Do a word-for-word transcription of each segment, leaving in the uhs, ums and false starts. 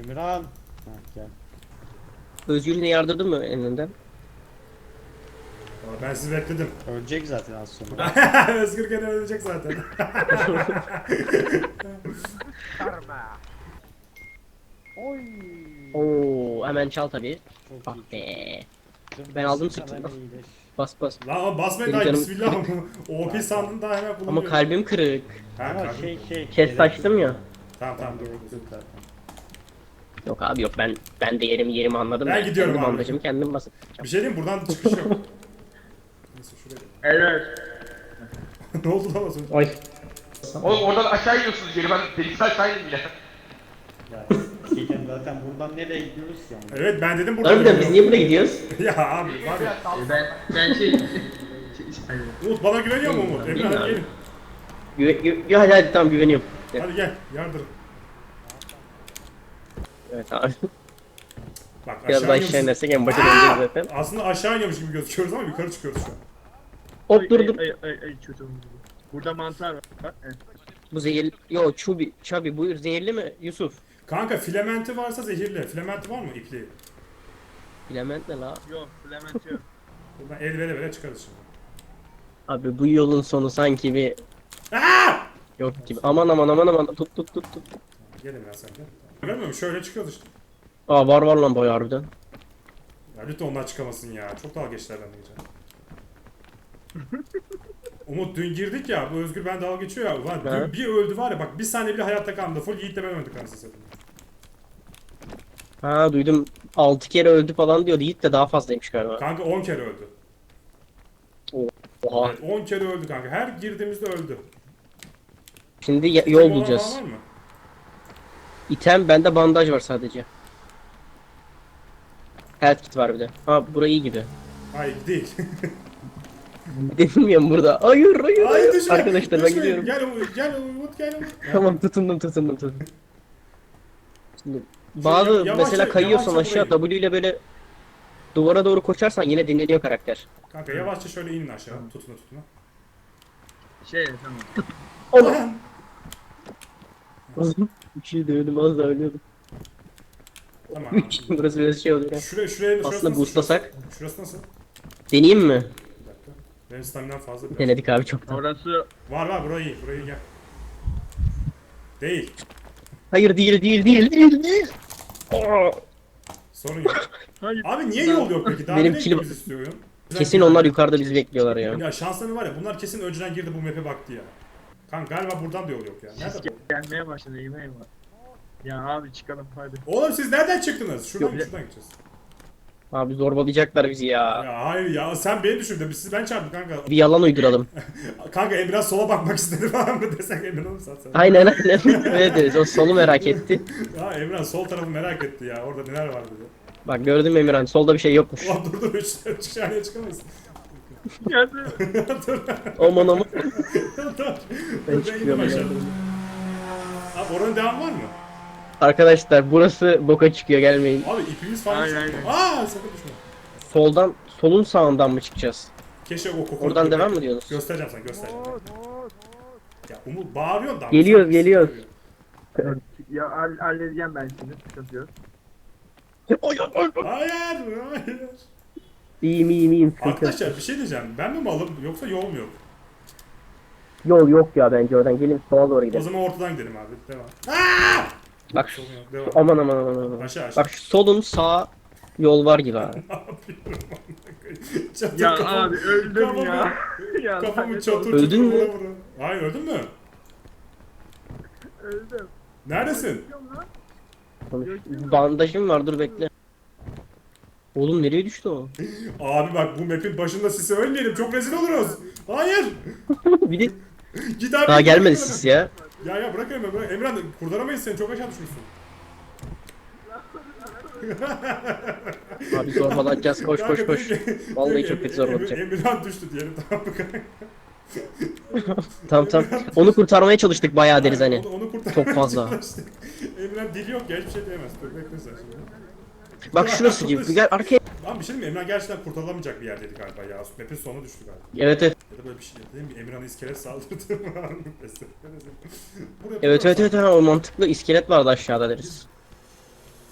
Emirhan. Ha, gel. Özgür yine yardırdın mı elinden? Ama ben sizi bekledim. Ölecek zaten az sonra. Özgür gene ölecek zaten. Oy. Oo, hemen çal tabii. Çok Ah iyi. be. Çok Ben aldım basit, sıktım. hemen iyileş. Bas bas. Lan ama basmayın Benim daha canım- bismillah. O P sandın daha hemen bulunuyor. Ama kalbim kırık. Ha, Ama kalbim- şey şey. Kes gerek saçtım yok. ya. Tamam tamam. Gerek yok zaten. Yok abi yok ben ben de yerimi yerimi anladım. Ben gidiyorum kendi abi. bandajımı kendim basıp. Bir şey diyeyim buradan çıkış yok. Neyse şuraya. Evet. Ne oldu lan az önce? Ay. Oğlum oradan aşağı iniyorsunuz geri ben delikten aşağı indim bile. Ya şeyden zaten buradan nereye gidiyoruz ki yani? Evet ben dedim buradan. Harbiden biz niye buraya gidiyoruz? Ya abi var ya. Ben ben şey... Umut bana güveniyor mu Umut? Emre hadi gelin. Güve, gü, gü- hadi hadi tamam güveniyorum. Hadi gel yardır. Evet abi. Bak Biraz daha aşağı aşağı iniyoruz. inersek en başa döneceğiz zaten. Aslında aşağı iniyormuş gibi gözüküyoruz ama yukarı çıkıyoruz şu an. Hop dur dur. Ay ay ay, ay çocuğum. Burada mantar var. Evet. Bu zehirli. Yo çubi. Çabi buyur zehirli mi Yusuf? Kanka filamenti varsa zehirli. Filamenti var mı ipliği? Bilement ne la? Yok Clement yok. Buradan el vere vere çıkarız şimdi. Abi bu yolun sonu sanki bir Aa! yok gibi. Aman aman aman aman tut tut tut tut. Gelin biraz sen de. Görmüyor musun? Şöyle çıkıyoruz işte. Aa var var lan bayağı harbiden. Ya lütfen onlar çıkamasın ya. Çok dalga geçtiler benden geçen. Umut dün girdik ya. Bu Özgür ben dalga geçiyor ya. Ulan dün Ha. bir öldü var ya. Bak bir saniye bile hayatta kalmadı. Full Yiğit'le ben öldük anasını satayım. Ha duydum altı kere öldü falan diyordu. Yiğit de daha fazlaymış galiba. Kanka on kere öldü. Oha. Evet on kere öldü kanka. Her girdiğimizde öldü. Şimdi ya- Tek yol olan bulacağız. falan var mı? İtem bende bandaj var sadece. Health kit var bir de. Ha burayı iyi gibi. Hayır değil. Bilmiyorum burada. Hayır hayır Hayır hayır. düşme. Arkadaşlar ben düşme. gidiyorum. Gel Umut gel Umut gel Umut. Tamam tutundum tutundum tutundum. Şimdi bazı yavaşça- mesela kayıyorsan yavaşça aşağı burayı. W ile böyle duvara doğru koşarsan yine dinleniyor karakter. Kanka yavaşça şöyle inin aşağı. Tutuna tutuna. Şey tamam. Allah. Bir şey dövdüm az da ölüyordum. Tamam. Burası biraz şey oluyor. ya. Şuraya şuraya şurası Aslında nasıl? boostlasak. Şurası, şurası nasıl? Deneyeyim mi? Bir dakika. Benim staminam fazla biraz. Denedik abi çoktan. Orası Var var burayı iyi. Burayı gel. Değil. Hayır değil değil değil değil değil. Aa, Sorun yok. hayır. Abi niye yol yok peki? Daha Benim nereye kilim- gitmemizi istiyor oyun? kesin onlar yukarıda bizi bekliyorlar ya. Ya şansları var ya bunlar kesin önceden girdi bu map'e baktı ya. Kanka galiba buradan da yol yok ya. Nerede Sis bu? gelmeye başladı eyvah eyvah. Ya abi çıkalım hadi. Oğlum siz nereden çıktınız? Şuradan Yok, şuradan gideceğiz. Abi zorbalayacaklar bizi ya. Ya hayır ya sen beni düşürdün. Biz siz ben çarptım kanka. Bir yalan uyduralım. Kanka Emre sola bakmak istedi falan mı desek Emre onu satsan. Aynen aynen. Öyle deriz. O solu merak etti. Ya Emre sol tarafı merak etti ya. Orada neler var dedi. Bak gördün mü Emirhan? Solda bir şey yokmuş. Ulan dur dur üç saniye çıkamayız. Geldi. dur Aman aman. dur. Ben Ben indim çıkıyorum aşağı. ya. Abi oranın devamı var mı? Arkadaşlar burası boka çıkıyor gelmeyin. Abi ipimiz falan. Aynen, çıkıyor. aynen. Aa sakın düşme. Soldan, solun sağından mı çıkacağız? Keşke o kokoru. Oradan devam mı diyorsunuz? Göstereceğim sana göstereceğim. Ya Umut bağırıyorsun da. Geliyoruz, geliyoruz. Ya hall- halledeceğim ben şimdi sıkıntı yok. Oy, oy, oy, oy. Hayır, hayır. İyiyim iyiyim iyiyim. Sıkıntı yok. Arkadaşlar bir şey diyeceğim. Ben mi malım yoksa yol mu yok? Yol yok ya bence oradan gelin sola doğru O gidelim. zaman ortadan gidelim abi. Devam. Aa! Bak şu, Sorun yok. Devam. aman aman aman aman. Aşağı aşağı. Bak şu solun sağ yol var gibi abi. Ne yapıyorum amına koyayım? Çatır Ya kafamı- abi öldüm kafamı- ya. Ya Kafamı lanet çatır olsun. çatır Öldün mü? vura vura. Hayır öldün mü? Öldüm. Neredesin? Çıkıyorum lan. Konuş. Bandajım var dur bekle. Oğlum nereye düştü o? Abi bak bu map'in başında sisi ölmeyelim. Çok rezil oluruz. Hayır. Bir de Git abi. daha git, gelmedi bırak siz Emre. ya. Ya ya bırak Emre bırak. Emre kurtaramayız seni. Çok aşağı düşmüşsün. Abi zorbalayacağız koş koş koş. Vallahi çok kötü zorbalayacak. Emirhan düştü diyelim tamam mı kanka? Tamam tamam. Onu kurtarmaya çalıştık bayağı deriz hani. Onu, onu kurtarmaya Çok fazla. çalıştık. Emirhan dili yok ya hiçbir şey diyemez. Dur bekle sen şimdi. Bak şurası gibi. Gel arkaya. Lan bir şey diyeyim mi? Emrah gerçekten kurtarılamayacak bir yerdeydi galiba ya. Map'in sonu düştü galiba. Evet evet. Ya da böyle bir şey değil mi? Emirhan'a iskelet saldırdı mı? Buraya Evet evet evet ha, o mantıklı iskelet vardı aşağıda deriz.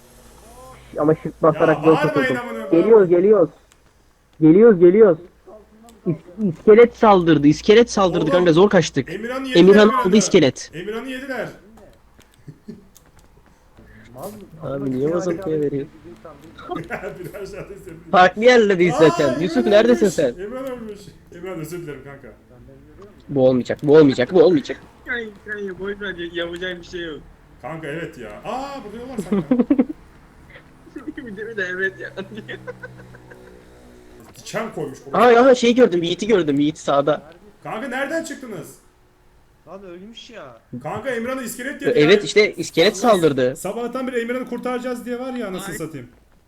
ama shift basarak Ya zor bağırmayın kurtuldum. amına. Geliyoruz geliyoruz. Geliyoruz geliyoruz. İs- iskelet saldırdı. iskelet saldırdı Oğlum, kanka zor kaçtık. Emirhan'ı yediler. Emirhan Emirhan'ı. aldı iskelet. Emirhan'ı yediler. Abi niye Mazotlu'ya veriyor? Bir aşağıda izledim. Farklı yerlerdeyiz Aa, zaten. Emirhan Yusuf neredesin ölmüş. sen? Emirhan ölmüş. Emirhan özür dilerim kanka. Bu olmayacak, bu olmayacak, bu olmayacak. Kanka kanka boş ver yapacağım bir şey yok. Kanka evet ya. Aa burada yol var sanki. bir de bir de evet ya. Diken koymuş buraya. Aha aha şey gördüm, Yiğit'i gördüm, Yiğit sağda. Kanka nereden çıktınız? Lan ölmüş ya. Kanka Emirhan'ı iskelet yedi. Evet ya. işte iskelet saldırdı. Sabahtan beri Emirhan'ı kurtaracağız diye var ya nasıl Ay. satayım.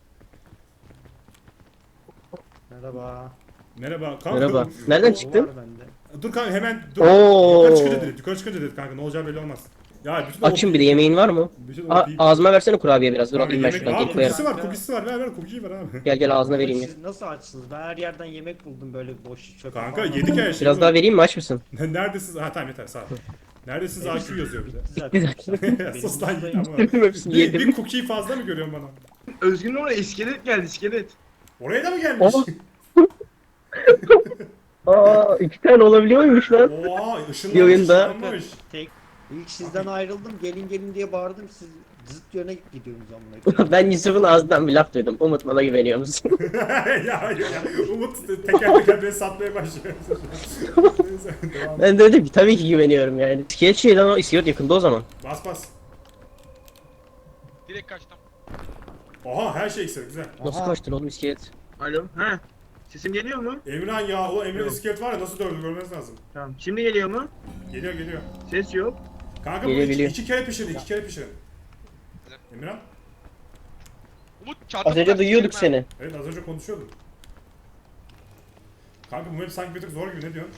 Merhaba. Merhaba. Kanka, Merhaba. Nereden O çıktın? var bende. Dur kanka hemen dur. Oo. Yukarı çıkınca dedik. Yukarı çıkınca dedik kanka ne olacağı belli olmaz. Ya bütün Açım bir de yemeğin var mı? Bütün A- ağzıma versene kurabiye biraz. Dur Kanka, alayım ben yemek... şuradan Aa kek koyarım. kukisi var kukisi var ver ver kukiyi ver abi. Gel gel ağzına vereyim ya. Siz nasıl açsınız? Ben her yerden yemek buldum böyle boş çöp. Kanka yedik her şeyi. Biraz daha vereyim mi, aç mısın? Neredesiniz? Ha tamam yeter sağ ol. Neredesiniz A Q yazıyor bir de. Zaten. Sus lan git ama. Bitirdim hepsini Bir, yedim. bir cookie'yi fazla mı görüyorsun bana? Özgün'ün oraya iskelet geldi iskelet. Oraya da mı gelmiş? Aa iki tane olabiliyor muymuş lan? Oha ışınlanmış Bir oyunda- ışınlanmış. Tek. İlk sizden ayrıldım. Gelin gelin diye bağırdım. Siz zıt yöne gidiyorsunuz amına. Ben Yusuf'un ağzından bir laf duydum. Umut bana güveniyor musun? ya, ya ya Umut teker teker beni satmaya başlıyor. Neyse devam. Ben de dedim ki tabii ki güveniyorum yani. İskelet şey lan o, iskelet yakında o zaman. Bas bas. Direkt kaçtım. Oha her şey eksik güzel. Nasıl Aha. kaçtın oğlum iskelet? Alo. Ha. Sesim geliyor mu? Emirhan ya o Emirhan Yok. iskelet var ya nasıl dövdü görmeniz lazım. Tamam. Şimdi geliyor mu? Geliyor geliyor. Ses yok. Kanka bu Geliyor, iki, geliyor. iki kere pişirin iki kere pişirin. Emirhan? Umut çarptı. Az önce duyuyorduk seni. Evet az önce konuşuyordum. Kanka bu map sanki bir tık zor gibi ne diyorsun?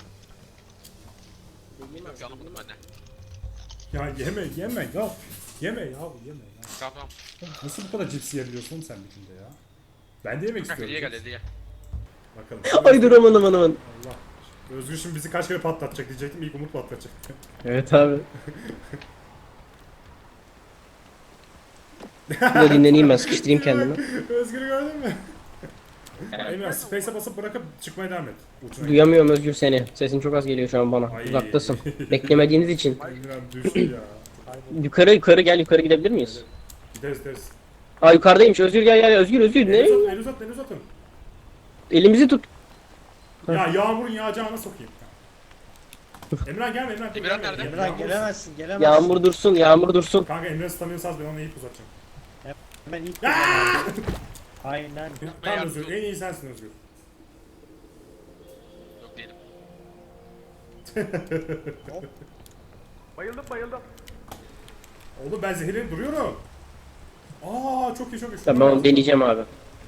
Yok anlamadım ben de. Ya yeme yeme ya. Yeme ya yeme ya. Tamam tamam. Nasıl bu kadar cips yiyebiliyorsun sen bütünde ya? Ben de yemek Kanka istiyorum. diye gel diye. Bakalım. Ay dur aman aman aman. Allah. Özgür şimdi bizi kaç kere patlatacak diyecektim. İlk Umut patlatacak. Evet abi. Burada dinleneyim ben, sıkıştırayım kendimi. Özgür'ü gördün mü? Emre space'e basıp bırakıp çıkmaya devam et. Uçuna. Duyamıyorum Özgür seni. Sesin çok az geliyor şu an bana. Ay. Uzaktasın. Beklemediğiniz için. Emre düştü ya. Yukarı yukarı gel, yukarı gidebilir miyiz? Gideriz gideriz. Aa yukarıdaymış. Özgür gel gel. Özgür Özgür El ne? uzat, el uzat, el uzatın. Elimizi tut. Ya yağmurun yağacağına sokayım. Emre gelme Emre. dur, Emirhan gelme. nerede? Emrah Yağmur- gelemezsin gelemezsin. Yağmur dursun, yağmur dursun. Kanka Emre staminası az ben ona ip uzatacağım. Ben ilk Aa! Aynen. Tamam Özgür en iyi sensin Özgür. Yok değilim. Bayıldım bayıldım. Oğlum ben zehirlenip duruyorum. Aa çok iyi çok iyi. Tamam ben onu deneyeceğim abi.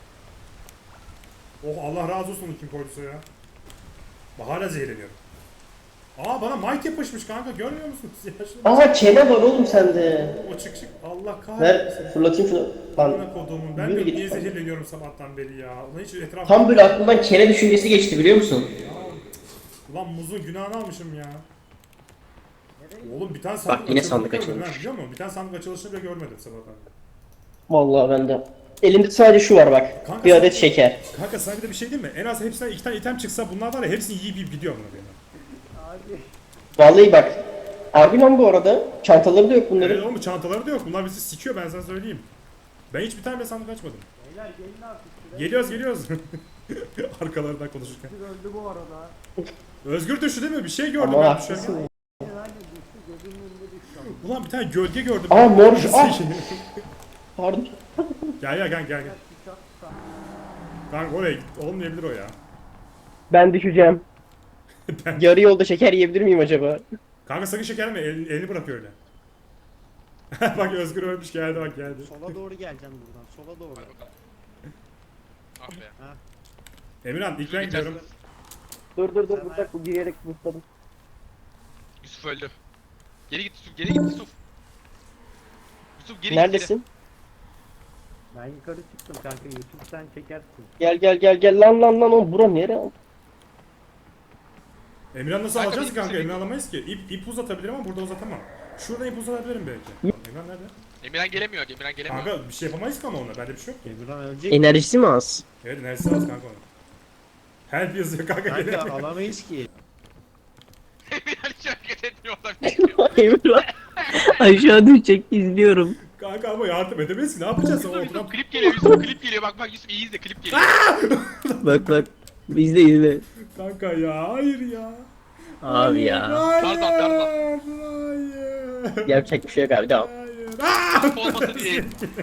Oh Allah razı olsun kim koyduysa ya. Bak hala zehirleniyorum. Aa bana mic yapışmış kanka görmüyor musunuz? Yaşlı. Aha çene var oğlum sende. O çık çık Allah kahretsin. Ver fırlatayım şunu. Lan Amına koduğumun ben Yürü de git. niye zehirleniyorum sabahtan beri ya. Ulan hiç etraf... tam böyle aklımdan çene düşüncesi geçti biliyor musun? Ulan muzun günahını almışım ya. Oğlum bir tane sandık yine açılışını sandık görmedim açılmış. ha, biliyor musun? Bir tane sandık açılışını bile görmedim sabahtan. Vallahi ben de. Elimde sadece şu var bak. Kanka Bir sen- adet şeker. Kanka sana bir de bir şey diyeyim mi? En az hepsinden iki tane item çıksa bunlar var ya hepsini yiyip yiyip gidiyor buna benim. Vallahi bak. Harbi lan bu arada. Çantaları da yok bunların. Evet oğlum çantaları da yok. Bunlar bizi sikiyor ben sana söyleyeyim. Ben hiç bir tane bile sandık açmadım. Beyler gelin artık. Geliyoruz geliyoruz. Arkalarından konuşurken. Öldü bu arada. Özgür düştü değil mi? Bir şey gördüm Ama ben haklısın. düşerken. Herhalde düştü gözümün önünde düştü. Ulan bir tane gölge gördüm. Aa mor şu. Ah! Pardon. Gel gel gel gel. gel. Kanka oraya git. Olmayabilir o ya. Ben düşeceğim. Yarı yolda şeker yiyebilir miyim acaba? Kanka sakın şeker mi? El, elini bırak öyle. Bak Özgür ölmüş geldi bak geldi. Sola doğru geleceksin buradan. Sola doğru. Hadi bakalım. Ah be. Emirhan ilk ben gidiyorum. Dur dur dur bırak bu girerek bısladım. Yusuf öldü. Geri git Yusuf, geri git Yusuf. Yusuf geri Neredesin? Ben yukarı çıktım kanka. YouTube sen çekersin. Gel gel gel gel lan lan lan oğlum bura nere? Emirhan nasıl Kanka, alacağız bir- ki kanka? bir- Emirhan alamayız ki. İp, ip uzatabilirim ama burada uzatamam. Şurada ipucu verebilirim belki. Emirhan nerede? Emirhan gelemiyor. Emirhan gelemiyor. Kanka bir şey yapamayız ki ama onunla. Bende bir şey yok ki. Emirhan ölecek. Enerjisi mi az? Evet neresi az kanka onun. Help yazıyor kanka. Kanka gelemiyor. alamayız ki. Emirhan hiç hareket etmiyor. Oradan bir Emirhan aşağı düşecek izliyorum. Kanka ama yardım edemeyiz ki ne yapacağız? O Yusuf, oturan... Yusuf klip geliyor. Yusuf klip geliyor. Bak bak Yusuf iyi izle klip geliyor. Bak bak. İzle izle. Kanka ya hayır ya. Abi ya. Hayır. Pardon, pardon. Hayır. Yapacak bir şey yok abi devam. Hayır. Aa! Yusuf olmasın diye.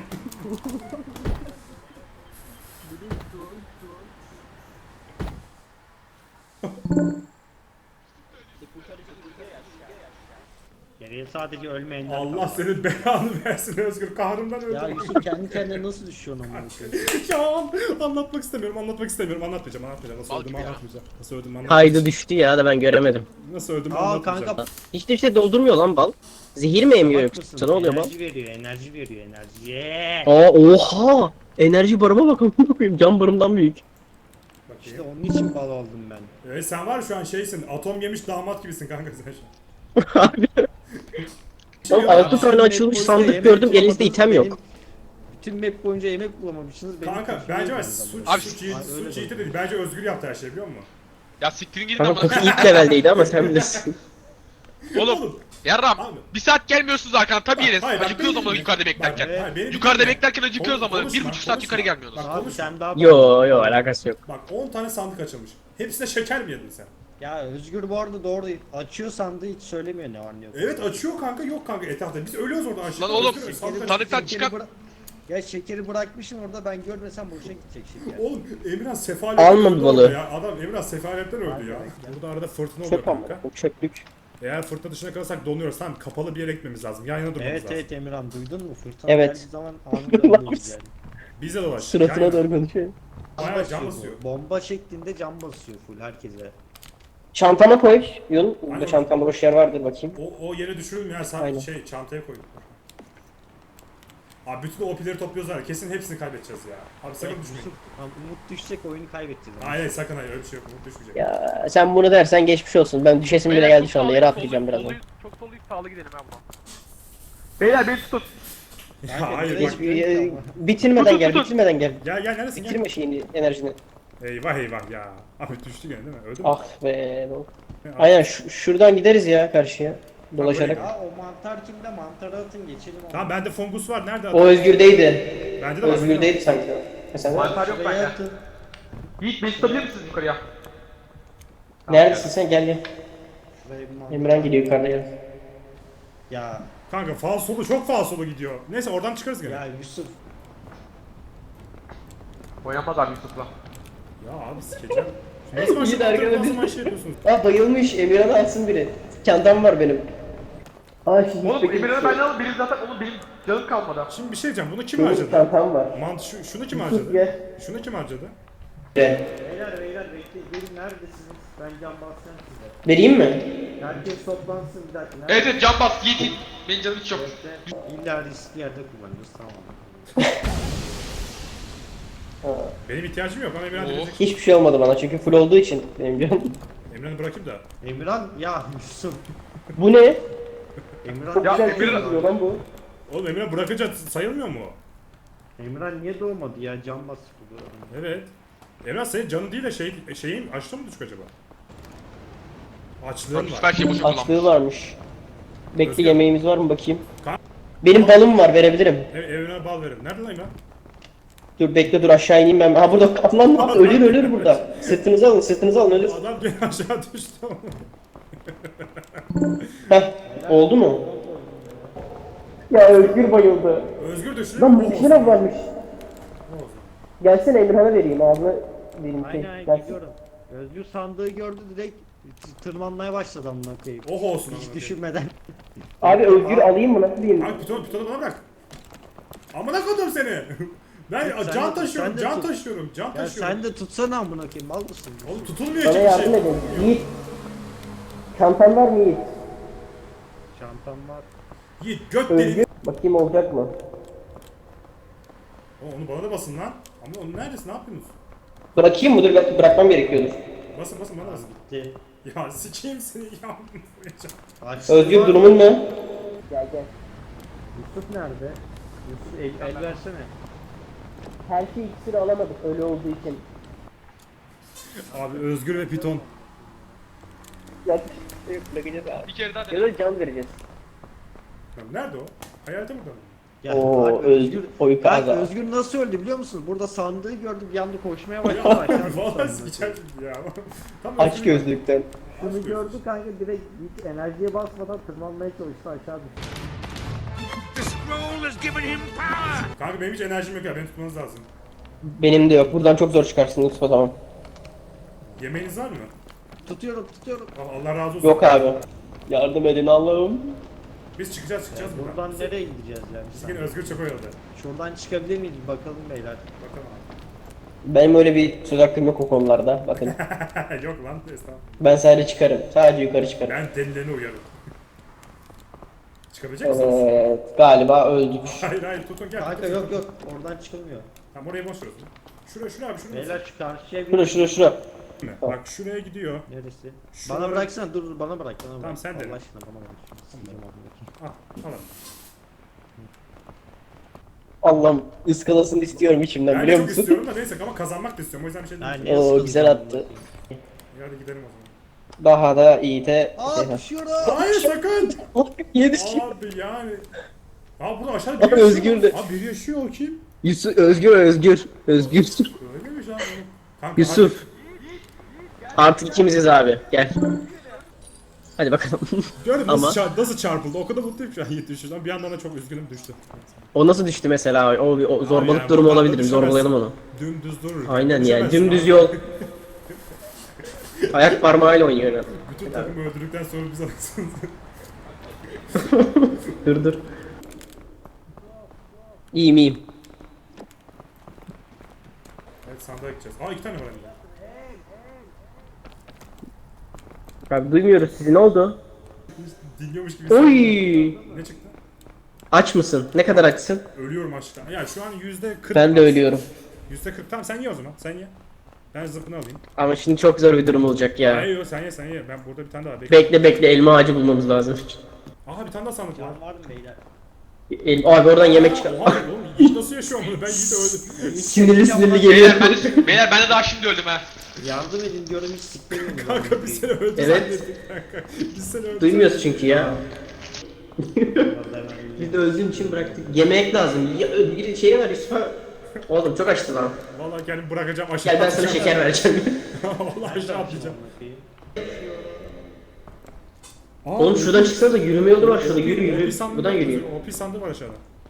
Geriye sadece ölmeyenler Allah kaldı. senin belanı versin Özgür. Kahrımdan öldüm. Ya Yusuf kendi kendine nasıl düşüyorsun amına koyayım? Ya anlatmak istemiyorum, anlatmak istemiyorum, anlatmayacağım, anlatmayacağım. Nasıl Bal öldüm gibi ya. anlatmayacağım. Nasıl öldüm Kaydı anlatmayacağım. düştü ya da ben göremedim. Nasıl öldüm Aa anlatmayacağım. kanka Hiç de bir şey doldurmuyor lan bal. Zehir mi emiyor bak yoksa? mısın? Ne oluyor bal? Enerji veriyor, enerji veriyor, enerji. Yeah! Aa oha! Enerji barıma bak amına koyayım. Can barımdan büyük. İşte Bakayım. onun için bal oldum ben. Evet sen var ya şu an şeysin, atom yemiş damat gibisin kanka sen şu an. Abi. Oğlum altı tane açılmış sandık gördüm elinizde item yok. Bütün map boyunca yemek bulamamışsınız. benim Kanka köşeye bence var yediniz suç, amına. Abi, suç, yiğit, Ay, öyle suç yiğit de. de değil. Bence Özgür yaptı her şeyi biliyor musun? Ya siktirin gidin Kanka ama. koku ilk leveldeydi ama sen bilirsin. Oğlum. Yarram. Abi. Bir saat gelmiyorsunuz arkadan tabii Bak, yeriz. hayır, bak, Acıkıyoruz beni ama dinle. yukarıda Bak, beklerken. hayır, beni Yukarıda dinle. beklerken acıkıyoruz Kon- ama bir konuşma, buçuk saat konuşma. yukarı gelmiyoruz. Bak, Abi konuşma. sen daha Yo yo alakası yok. Bak on tane sandık açılmış. Hepsine şeker mi yedin sen? Ya Özgür bu arada doğru değil. Açıyor sandığı hiç söylemiyor ne var ne yok. Evet açıyor kanka yok kanka etrafta. Biz ölüyoruz orada aşağıda. Lan oğlum, Özgür, Şekeri sandık bırak- sandıktan şekeri çıkan- bırak- Ya şekeri bırakmışsın orada ben görmesem boşa gidecek şeker. Oğlum Emirhan sefaletten Almadı öldü balığı. orada ya. Adam Emirhan sefaletten öldü ya. Burada arada fırtına oluyor Çöp ama. kanka. O çöplük. Eğer fırtına dışına kalırsak donuyoruz. Tamam kapalı bir yere gitmemiz lazım. Yan yana durmamız Evet lazım. evet Emirhan duydun mu? Fırtına Evet. geldiği zaman anında ölüyoruz yani. Biz de dolaş. Suratına doğru konuşuyor. Bayağı Basıyor can bu. basıyor. Bomba şeklinde cam basıyor full herkese. Çantama koy. Yun. Burada Aynen. çantamda boş yer vardır bakayım. O, o yere düşürülmüyor. Sen Aynen. şey çantaya koyduk. Abi bütün O P'leri topluyoruz var. ya, Kesin hepsini kaybedeceğiz ya. Abi sakın düşmeyin. Yusuf, ha, Umut düşecek oyunu kaybedeceğiz. Hayır hayır sakın hayır öyle bir şey yok. Umut düşmeyecek. Ya sen bunu dersen geçmiş olsun. Ben düşesim bile geldi şu anda. Yere atlayacağım birazdan. Çok soluyuz sağlı gidelim ha buradan. Beyler beni tutun. Ya hayır direkt bak. bir- Ee, Bitirmeden gel, bitirmeden gel. Gel gel neredesin gel. Bitirme şeyini, enerjini. Eyvah eyvah ya. Abi düştü gene değil mi? Öldü mü? Ah be. bu- Abi, Aynen şu- şuradan gideriz ya karşıya. Dolaşarak. Ya o mantar kimde? Mantarı atın geçelim onu. Tamam bende fungus var. Nerede? O Özgür'deydi. Bende de var. Özgür'deydi sanki. Ha, sen de- Mantar yok Şuraya bende. atın. Yiğit beni tutabilir misiniz yukarıya? Neredesin sen? Gel gel. Şuraya bir mantar. Emran gidiyor yukarıda gel. Ya Kanka falsolu çok falsolu gidiyor. Neyse oradan çıkarız gene. ya Ya, Yusuf. Oynamaz abi Yusuf'la. abi sikeceğim. Nasıl İyi maçı de arkada nasıl bir- maç şey yapıyorsunuz? Aa bayılmış. Emirhan'ı atsın biri. Çantam var benim. Aa şimdi Oğlum Emirhan'ı ben alın benim zaten oğlum benim canım kalmadı. Şimdi bir şey diyeceğim. Bunu kim Benim harcadı? çantam var. Mant şu, şunu kim Yusuf harcadı? gel. Şunu kim harcadı? Gel. Beyler beyler bekleyin. Gelin neredesiniz? Ben can basacağım size. Vereyim mi? Herkes toplansın bir dakika. Evet evet can bas Yiğit. Benim canım hiç yok. Bekle. İlla riskli yerde kullanıyoruz tamam. Ha. Benim ihtiyacım yok. Bana Emirhan Oo. verecek. Hiçbir şey olmadı bana çünkü full olduğu için benim canım. Emirhan'ı bırakayım da. Emirhan ya Yusuf. Bu ne? Emirhan Çok Ya güzel Emirhan- gözüküyor lan bu. Oğlum Emirhan bırakınca sayılmıyor mu? Emirhan niye doğmadı ya can basıp duruyor. Evet. Emirhan senin canın değil de şey, şeyin açtı mı düşük acaba? Açlığın Yusuf var. her şeyi boşa kullanmış. Açlığı varmış. Bekle Özgür. yemeğimiz var mı bakayım. Ka- Benim balım var verebilirim. Ev, evine bal verin. Nerede lan Emirhan? Dur bekle dur aşağı ineyim ben. Ha burada kaplan var. Ölür ölür burada. Sırtınızı alın sırtınızı alın ölür. Adam gene aşağı düştü. Heh oldu mu? Ya Özgür bayıldı. Özgür düştü. Lan Oh bu olsun. kişiler varmış. Oh olsun. Gelsene Emirhan'a vereyim ağzına vereyim. Şey, Aynen gelsin. gidiyorum. Özgür sandığı gördü direkt tırmanmaya başladı amına koyayım. Oh olsun. Hiç amına düşünmeden. Abi Özgür alayım mı nasıl diyeyim? koyayım. Abi pitonu pitonu bana bırak. Amına koydum seni. Ben Sen de can tut, taşıyorum, sen de can tut. taşıyorum, can Ya taşıyorum. sen de tutsana amına koyayım mal mısın? Oğlum tutulmuyor Bana ki bir yardım şey. edin. Yiğit. Çantan var mı Yiğit? Çantam var. Yiğit göt Özgür. deli. Bakayım olacak mı? O, onu bana da basın lan. Ama onu neredesin? Ne yapıyorsunuz? Bırakayım mı? Dur belki bırakmam gerekiyordur. Basın basın bana basın. Gitti. Ya sikeyim seni ya. Aç. Özgür durumun ne? Gel gel. Yusuf nerede? Yusuf el, el versene. Helki iksiri alamadık öyle olduğu için. Abi Özgür ve Piton. Yok. Yok bakacağız abi. Bir kere daha Ya dene. da can vereceğiz. Lan nerede o? Hayalete mi döndü? Ya, Oo bak, Özgür oy Bak kaza. Özgür nasıl öldü biliyor musun? Burada sandığı gördü bir anda koşmaya başladı. aşağı Valla düştü. sikeceğim ya. Tam Aç Özgür- gözlükten. Şunu gördü kanka direkt hiç enerjiye basmadan tırmanmaya çalıştı aşağı düştü. Kanka benim hiç enerjim yok ya. Beni tutmanız lazım. Benim de yok. Buradan çok zor çıkarsın Yusuf o zaman. Yemeğiniz var mı? Tutuyorum tutuyorum. Al- Allah razı olsun. Yok abi. Yardım edin Allah'ım. Biz çıkacağız çıkacağız buradan. Buradan nereye gideceğiz yani? Biz yine Özgür çok oyaladı. Şuradan çıkabilir miyiz bakalım beyler. Bakalım Benim öyle bir söz hakkım yok o konularda. Bakın. abi. Yok lan estağfurullah. Ben sadece çıkarım. Sadece yukarı çıkarım. Ben delilerini uyarım. Çıkabilecek misiniz? Evet. Galiba öldük. Hayır hayır tutun gel. Kanka tutun. yok yok oradan çıkılmıyor. Tamam orayı boş ver. o zaman. Şuraya şuraya abi şuraya. Beyler şu karşıya bir... Şura şura şura. Bak şuraya gidiyor. Neresi? Şuraya- Bana bıraksana dur dur bana bırak bana bırak. Tamam, sen dene. Allah aşkına bana bırak. Sikeceğim amına Al al. Allah'ım ıskalasını istiyorum içimden Ben de biliyor çok musun? istiyorum da neyse ama kazanmak da istiyorum. O yüzden bir şey koyayım. diyeyim. Yani Oo, nasıl güzel kazandım attı. bakayım? Hadi gidelim o zaman. Daha da iyi de... Aa düşüyorum. Hayır sakın. Niye düştü? Abi yani. Abi burada aşağıda Abi biri yaşıyor. Özgür de- Abi biri yaşıyor o kim? Yusuf, Özgür, Özgür. Özgür. Öyleymiş abi. Kanka, Yusuf. Artık ikimiziz abi. Gel. Hadi bakalım. Hadi. Gördün mü Ama- nasıl, çar- nasıl çarpıldı? O kadar mutluyum şu an Yiğit düştü. Bir yandan da çok üzgünüm düştü. O nasıl düştü mesela? O, bir- o zorbalık yani durumu buradan da olabilir. düşemez. Zorbalayalım onu. Dümdüz durur. Aynen yani. Düşemezsin Dümdüz abi. yol. Ayak parmağıyla oynuyor. yani. Bütün takımı öldürdükten sonra biz alırsınız. Dur dur. İyiyim iyiyim. Evet sandığa gideceğiz. Aa iki tane var hem de. Abi duymuyoruz sizi. Ne oldu? Dinliyormuş gibi. Oy! Ne çıktı? Aç mısın? Ne kadar açsın? Ölüyorum açlıktan. Ya şu an yüzde kırk. Ben de ölüyorum. Yüzde kırk. Tamam sen ye o zaman. Sen ye. Ben zıpını alayım. Ama şimdi çok zor bir durum olacak ya. Hayır yok sen ye sen ye. Ben burada bir tane daha bekle. Bekle bekle elma ağacı bulmamız lazım. Aha bir tane daha sandık var. Can var mı beyler? El, abi oradan yemek çıkar. Oha oğlum Yiğit nasıl yaşıyor bunu? Ben Yiğit'e öldüm. Sinirli sinirli Beyler geliyor. ben de, beyler ben de daha şimdi öldüm ha. Yardım edin diyorum hiç siklemiyorum. Kanka biz seni öldü Evet. zannettik kanka. Biz seni öldü. Duymuyoruz çünkü ya. Vallahi Biz de öldüğün için bıraktık. Yemek lazım. Ya, bir şey var Yusuf'a. Oğlum çok açtı lan. Vallahi kendimi bırakacağım aşağı Gel ben sana atlayacağım. şeker vereceğim. Vallahi aşağı atlayacağım. Aa, Oğlum şuradan çıksana da yürüme yolu var şurada. Yürü O yürü. pis sandığı Buradan var, yürüyor. O pis sandığı var aşağıda.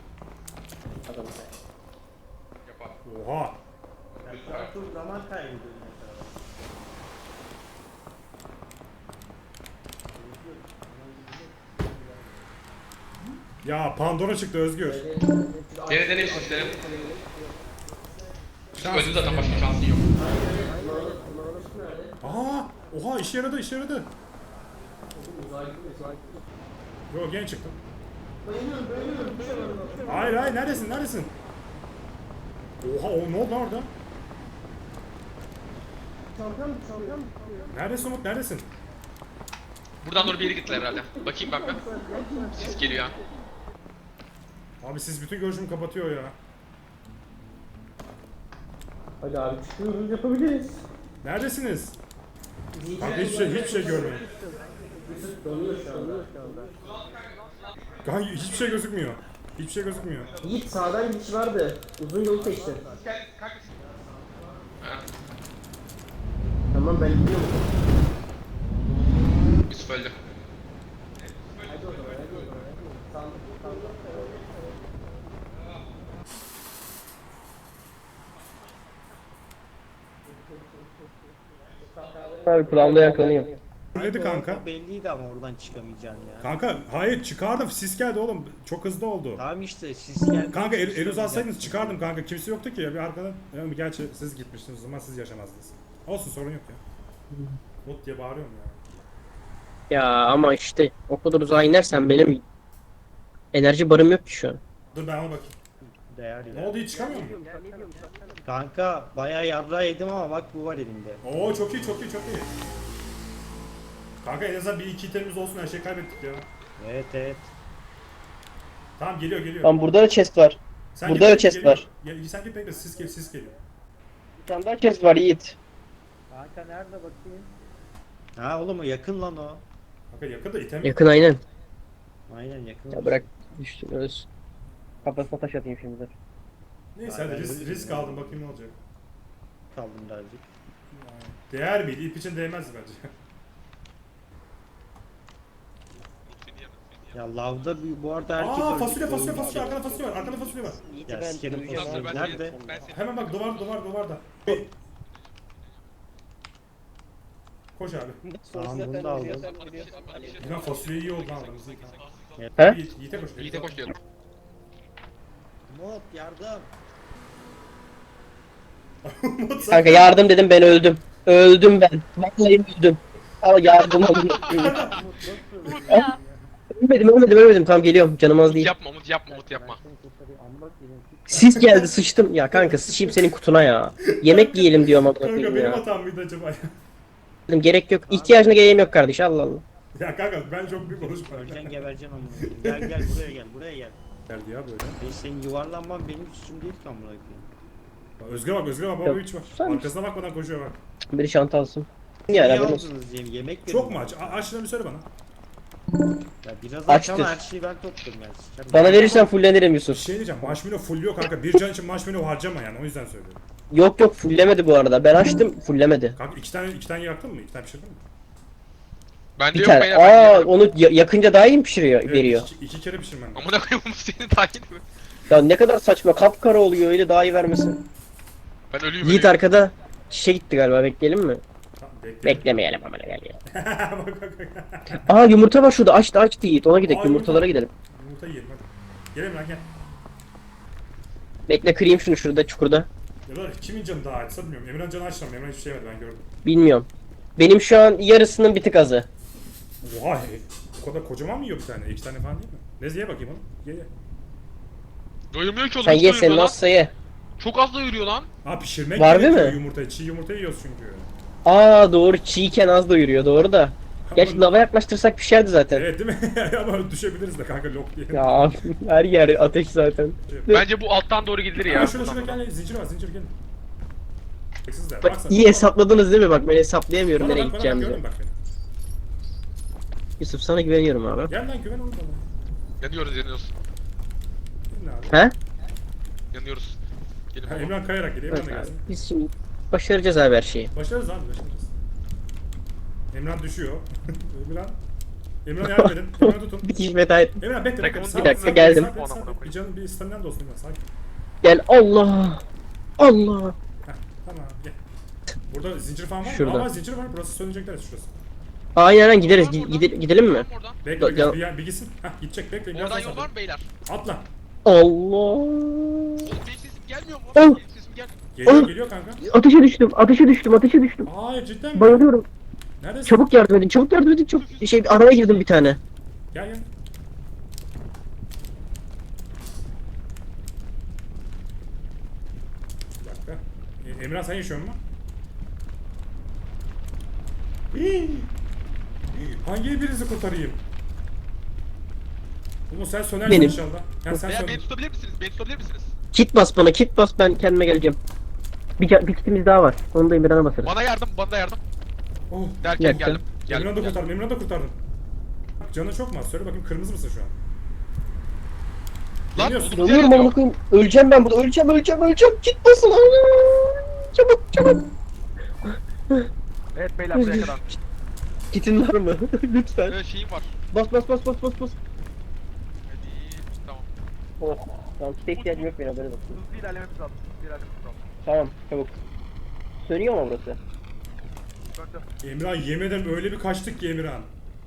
Oha. Çok zaman kaybediyorum mesela. Ya Pandora çıktı Özgür. Dene dene bir denelim. Öldüm zaten başka şansın yok. Aa, oha işe yaradı işe yaradı. Yo gene çıktım. Hayır hayır neredesin neredesin? Oha o ne oldu lan orada? Neredesin Umut neredesin? Buradan doğru bir yere gittiler herhalde. Bakayım ben bir. Ses geliyor ha. Abi siz bütün görüşümü kapatıyor ya. Hadi abi çıkıyoruz yapabiliriz. Neredesiniz? Kanka hiçbir şey hiçbir şey görmüyorum. Kanka hiçbir şey gözükmüyor. Hiçbir şey gözükmüyor. Yiğit sağdan gidiş vardı. Uzun yolu seçti. Ha, Tamam ben gidiyorum. Yusuf öldü. Abi kulağımda yakalanıyor. Neydi kanka? Belliydi ama oradan çıkamayacaksın ya. Kanka hayır çıkardım sis geldi oğlum. Çok hızlı oldu. Tamam işte siz gel. Kanka el, el uzatsaydınız çıkardım kanka. Kimse yoktu ki ya bir arkadan. Yani gerçi siz gitmiştiniz o zaman siz yaşamazdınız. Olsun sorun yok ya. Mut diye bağırıyorum ya. Ya ama işte o kadar uzağa inersen benim enerji barım yok ki şu an. Dur ben ona bakayım. Değer Ne ya. oldu hiç çıkamıyor mu? Kanka bayağı yarra yedim ama bak bu var elimde. Oo çok iyi çok iyi çok iyi. Kanka en azından bir iki itemimiz olsun her şeyi kaybettik ya. Evet evet. Tamam geliyor geliyor. Lan burada da chest var. Sen burada git, da chest geliyor. var. Gel, sen git bekle sis gel sis geliyor. Bir tane daha chest var Yiğit. Kanka nerede bakayım? Ha oğlum o yakın lan o. Kanka yakın da item. Yakın aynen. Aynen yakın. Ya bırak düştün öz. Kafasına taş atayım şimdi dur. Neyse hadi risk, risk aldım bakayım ne olacak. Kaldım birazcık. Değer miydi? İp için değmezdi bence. Ya lavda bir- bu arada herkes Aa öldü. fasulye fasulye Öldü. fasulye arkada fasulye var arkada fasulye var. Yiğit'i Ya ben sikerim duyacağım fasulye. abi. Nerede? Ben seni Hemen bak duvar duvar duvarda. Koş abi. Tamam, bunu da aldım. Ulan fasulye iyi oldu lan aramızda. He? Yiğit- Yiğit'e koş. Yiğit'e koş diyorum. Umut yardım. Kanka yardım dedim ben öldüm. Öldüm ben. Vallahi öldüm. Al yardım alın. Umut nasıl? ölmedim ölmedim ölmedim. Tamam geliyorum. Canım az Umut değil. yapma Umut yapma Umut yapma. Ben seni kurtarayım. Amma koyayım. Sis geldi sıçtım. Ya kanka sıçayım senin kutuna ya. Yemek yiyelim diyorum ama Kanka benim ya. hatam mıydı acaba ya? Dedim, gerek yok. İhtiyacına geleyim yok kardeş. Allah Allah. Ya kanka ben çok büyük konuşma. Öleceksin gebereceksin amına koyayım. Gel gel buraya gel buraya gel. Geldi ya böyle. Ben senin yuvarlanman benim suçum değil ki amına koyayım. Bak, Özgür'e bak Özgür'e bak baba Yok, hiç var. sen- Arkasına bakmadan koşuyor bak. Biri çanta alsın. Niye Yani haberin olsun. aldınız diye yemek Çok mu veriyorum. aç? A- Aç şunu bir söyle bana. Ya biraz Açtır. aç ama her şeyi ben topluyorum ben. Sıçarım. Bana verirsen fullenirim Bir Yusuf. şey diyeceğim. Marshmallow full kanka. Bir can için marshmallow harcama yani. O yüzden söylüyorum. Yok yok fullemedi bu arada. Ben açtım fullemedi. Kanka iki tane iki tane yaktın mı? İki tane pişirdin mi? Bende Bir yok tane. beyler ben Aa yiyemem. onu ya- yakınca daha iyi mi pişiriyor Evet, veriyor? Iki, iki kere pişirmen lazım. Amına koyayım Umut senin daha iyi mi? Ya ne kadar saçma kapkara oluyor öyle daha iyi vermesin. Ben ölüyüm Yiğit ölüyüm. arkada şişe gitti galiba bekleyelim mi? Tamam, bekle. Beklemeyelim ama gel ya. bak bak bak. Aa yumurta var şurada açtı açtı Yiğit ona gidelim Aa, yumurtalara yumurta. gidelim. Yumurta yiyelim hadi. Gelin lan gel. Bekle kırayım şunu şurada çukurda. Ya da kimin canı daha açsa bilmiyorum. Emre'nin canı açtım. Emre hiçbir şey yemedi ben gördüm. Bilmiyorum. Benim şu an yarısının bir tık azı. Oha o kadar kocaman mı yiyor bir tane? İki tane falan değil mi? Neyse ye bakayım oğlum. Ye ye. Doyurmuyor ki oğlum. Sen hiç ye doyurmuyor sen lan. nasılsa ye. Çok az doyuruyor lan. Aa pişirmek Var değil gerekiyor mi? yumurtayı. Çiğ yumurta yiyoruz çünkü. Aa doğru çiğken az doyuruyor doğru da. Gerçi lava yaklaştırsak pişerdi zaten. Evet değil mi? Ama düşebiliriz de kanka lok diye. Ya her yer ateş zaten. Bence bu alttan doğru gidilir Ya ya. şurada şurada gel zincir var zincir gelin. Siz de Bak baksana. iyi hesapladınız değil mi? Bak ben hesaplayamıyorum Bana nereye bak bana bak gideceğimizi. gördün bak beni. Yusuf sana güveniyorum abi. Gel lan güven oğlum bana. Yanıyoruz yanıyoruz. Gidin abi. He? Yanıyoruz. Gelin Ha, baba. Emran kayarak gidiyor. Emran Evet da abi. gelsin. Biz şimdi başaracağız abi her şeyi. Başarırız abi başarırız. Emran düşüyor. Emran. Emran yardım edin. Emran tutun. Bir kişi veda et. Emran bekle bekle. Bir Sakin, dakika, sakin, geldim. sakin, sakin. Bir canın bir staminen de olsun Emran sakin. Gel Allah. Allah. Heh, tamam gel. Burada zincir falan var mı? Şurada. Ama zincir var. Burası sönecekler şurası. Aynen aynen gideriz. Oradan, Gide- oradan. gide- gidelim mi? Oradan. Bekle Ya- bir, bir, bir gitsin. Hah gidecek bekle. Biraz Oradan daha yol sabır. var mı beyler? Atla. Allah. Oğlum benim sesim gelmiyor mu? Oh. Benim sesim gel. Geliyor Oh. geliyor kanka. Ateşe düştüm. Ateşe düştüm. Ateşe düştüm. Aa cidden mi? Bayılıyorum. Neredesin? Çabuk yardım edin. Çabuk yardım edin. Çok şey araya girdim bir tane. Gel gel. Bir dakika. E, Emrah sen yaşıyor musun? Hii. Hangi birinizi kurtarayım? Umut sen sönersin Benim. inşallah. Ya sen Beyler söner. beni tutabilir misiniz? Beni tutabilir misiniz? Kit bas bana. Kit bas ben kendime geleceğim. Bir, ca- bir kitimiz daha var. Onu da Emirhan'a basarız. Bana yardım, bana da yardım. Oh. Derken Yakın. geldim. Geldim. Emrah'ı da geldim. kurtardım. Emrah'ı da kurtardım. Bak canı çok mu az? Söyle bakayım kırmızı mısın şu an? Lan Yanıyorsun. oğlum Yanıyorum yanıyor. amına koyayım. Öleceğim ben burada. Öleceğim öleceğim öleceğim. Kit basın. Aa! Çabuk çabuk. Evet beyler buraya kadar. Kitin var mı? Lütfen. Ee, şeyim var. Bas bas bas bas bas bas. Hadi tamam. Oh. Tamam kite ihtiyacım yok benim haberin olsun. Hızlı ilerlememiz lazım. Hızlı ilerlememiz lazım. Tamam çabuk. Sönüyor mu burası? Döndü. Emrah yemin ederim öyle bir kaçtık ki Emirhan.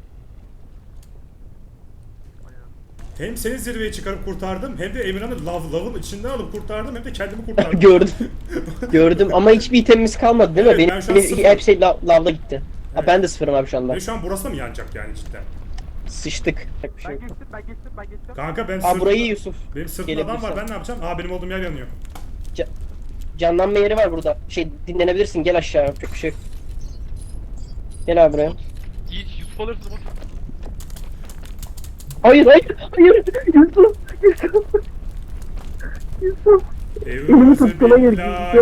Hem seni zirveye çıkarıp kurtardım hem de Emirhan'ı lav, lavın içinden alıp kurtardım hem de kendimi kurtardım. Gördüm. Gördüm ama hiçbir itemimiz kalmadı değil mi? Evet, benim ben şu an benim sıfır. hepsi la, lavda gitti. Ha, Evet. ben de sıfırım abi şu anda. Ve şu an burası da mı yanacak yani cidden? Sıçtık. Yapacak bir şey Ben yok. geçtim ben geçtim ben geçtim. Kanka ben Aa burayı Yusuf. benim sırtımda adam var Gelebilirsen. ben ne yapacağım? Aa benim olduğum yer yanıyor. Canlanma yeri var burada. Şey dinlenebilirsin gel aşağı yapacak bir şey yok. Gel abi buraya. Yiğit Yusuf alırsın Umut. Hayır hayır hayır. Yusuf. Yusuf. Yusuf. Elimi tutkuna gir,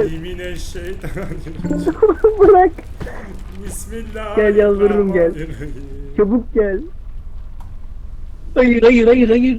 Bırak. Bismillah. Gel yalvarırım, gel. Çabuk gel. Hayır hayır hayır hayır.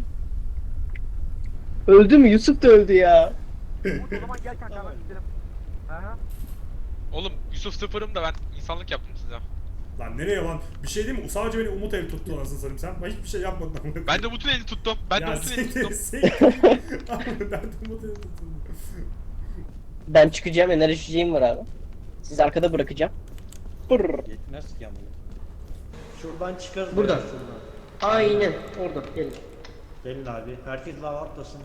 Öldü mü? Yusuf da öldü ya. O zaman gel kanka hemen gidelim. Aha. Oğlum Yusuf sıfırım da ben insanlık yaptım size. Lan nereye lan? Bir şey değil mi? Sadece beni Umut el tuttu anasını satayım sen. Ben hiçbir şey yapmadım. Ben de Umut'un elini tuttum. Ben de Ya Umut'un elini siktir, tuttum. siktir. Abi ben de Umut el tuttum. Ben çıkacağım, enerji içeceğim var abi. Sizi arkada bırakacağım. Brrr. Yetmez ki ama. Şuradan çıkarız. Buradan. ya, Şuradan. Aynen orada gelin. Gelin abi. Herkes lava atlasın.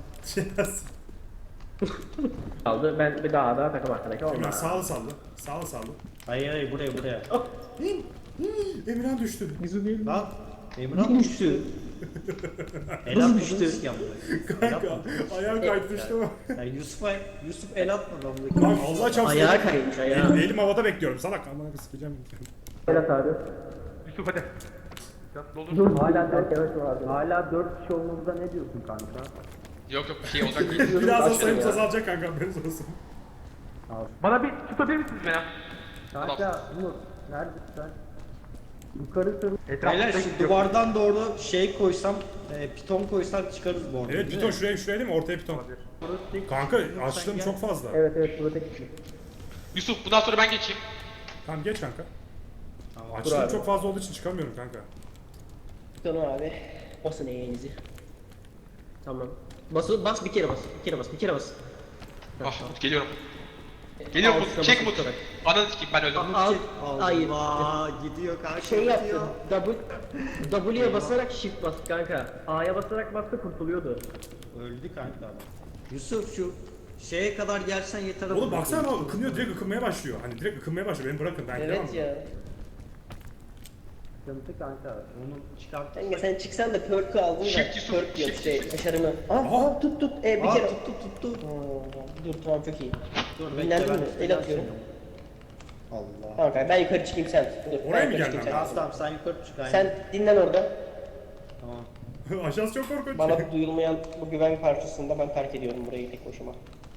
Kaldı. Ben bir daha da takım arkadaki Emirhan olmaz. sağlı sallı. Sağlı sallı. Hayır hayır buraya buraya. Emirhan düştü. Lan Emrah düştü. El atmıştı. Kanka ayağı kaydı düştü ama. Ya Yusuf'a Yusuf el atmadı amına. Lan Allah çarpsın. Ayağa kaymış ayağa. Elim, elim havada bekliyorum. Salak amına sikeceğim. Berat abi. Yusuf hadi. Dur. Hala dört evet vardı. Hala dört kişi olmamıza ne diyorsun kanka? Yok yok bir şey olacak değil. Birazdan Başlayalım sayımız ya. azalacak kanka haberiniz olsun. Bana bir tutabilir misiniz beni? Kanka Umut neredesin sen? Yukarı sarı. Beyler şu duvardan doğru şey koysam, e, piton koysam çıkarız bu arada. Evet değil piton mi? şuraya şuraya değil mi? Ortaya piton. Kanka açlığım çok fazla. Evet evet burada tek kişi. Yusuf bundan sonra ben geçeyim. Tamam geç kanka. Tamam. Açlığım abi. çok fazla olduğu için çıkamıyorum kanka. Tamam abi. Basın eğenizi. Tamam. Bas, bas bir kere bas. Bir kere bas. Bir kere bas. Ah Umut geliyorum. Geliyorum Altına Umut. Çek basıp Umut. tutarak. Ananı sikeyim ben öldüm. Al. Allah Hayır. gidiyor kanka. Şey yaptı. gidiyor. W W'ye basarak shift bas kanka. A'ya basarak bastı kurtuluyordu. Öldü kanka. Yusuf şu şeye kadar gelsen yeter. Oğlum amına baksana koyayım. ama ıkınıyor direkt ıkınmaya başlıyor. Hani direkt ıkınmaya başlıyor. Beni bırakın ben gidemem. Evet ya. Sıkıntı kanka. Onu çıkart. Kanka sen çıksan da perk'ü aldın da Shift Yusuf, perk yok shift şey Yusuf. başarımı. Aa, Aa. aa tut tut. E bir Aa kere. tuttu tuttu. Oo, dur tamam çok iyi. Dur Dinlendin bekle mi? ben. El atıyorum. Allah. Tamam kanka ben yukarı çıkayım sen. Dur, Oraya ben mı yukarı gelmem çıkayım, Tamam tamam sen yukarı çık aynen. Sen dinlen orada. Tamam. Aşağısı çok korkunç. Bana duyulmayan bu güven parçasında ben terk ediyorum burayı tek başıma.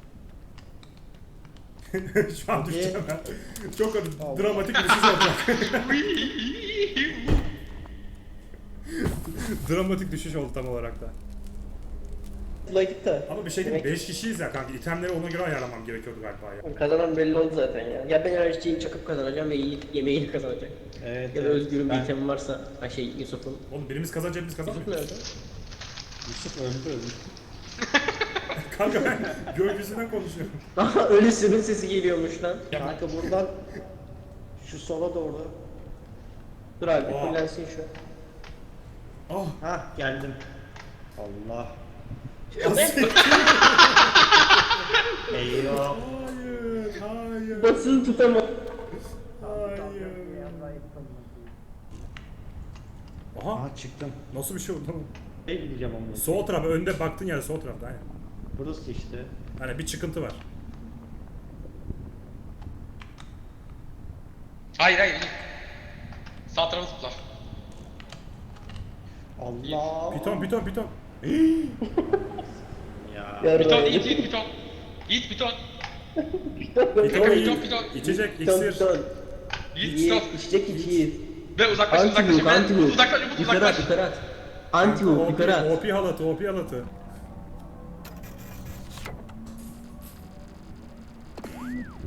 Şu an Okey. düşeceğim ben. Çok Allah. dramatik bir düşüş olacak. Dramatik düşüş oldu tam olarak da. Bulaydık da. Ama bir şey diyeyim Demek beş kişiyiz ya kanka. İtemleri ona göre ayarlamam gerekiyordu galiba ya. kazanan belli oldu zaten ya. Ya ben enerjiyi çakıp kazanacağım ve iyi yemeğini kazanacak. Evet. Ya da evet. Özgür'ün bir Ben- itemi varsa, ha şey Yusuf'un. Oğlum birimiz kazanacak birimiz Yusuf kazanmıyor. nerede? Yusuf öldü öldü. Kanka ben gökyüzünden konuşuyorum. Aha ölüsünün sesi geliyormuş lan. Kanka buradan şu sola doğru. Dur abi Oha. fullensin şu. Ah. Hah geldim. Allah. Eyvah. Hayır, hayır, Basını tutamam. hayır. Aha, Aha çıktım. nasıl bir şey oldu lan? Ne gideceğim onunla? Sol taraf, önde baktığın yer sol tarafta aynen. Burası işte. Hani bir çıkıntı var. Hayır hayır. Sağ tarafı zıpla. Allah. Piton, piton, piton. Ya. Piton Yiğit Yiğit piton. Yiğit piton. Piton, Piton, iyi. piton. İçecek, Piton iksir. piton. Yiğit İyi, piton. içecek içiyiz. Ve uzaklaş uzaklaş. Anti-loop, Ben anti-loop. uzaklaş Umut Yukarı at, uzaklaş. yukarı at. Anti-loop, yukarı at. O P halatı, O P halatı.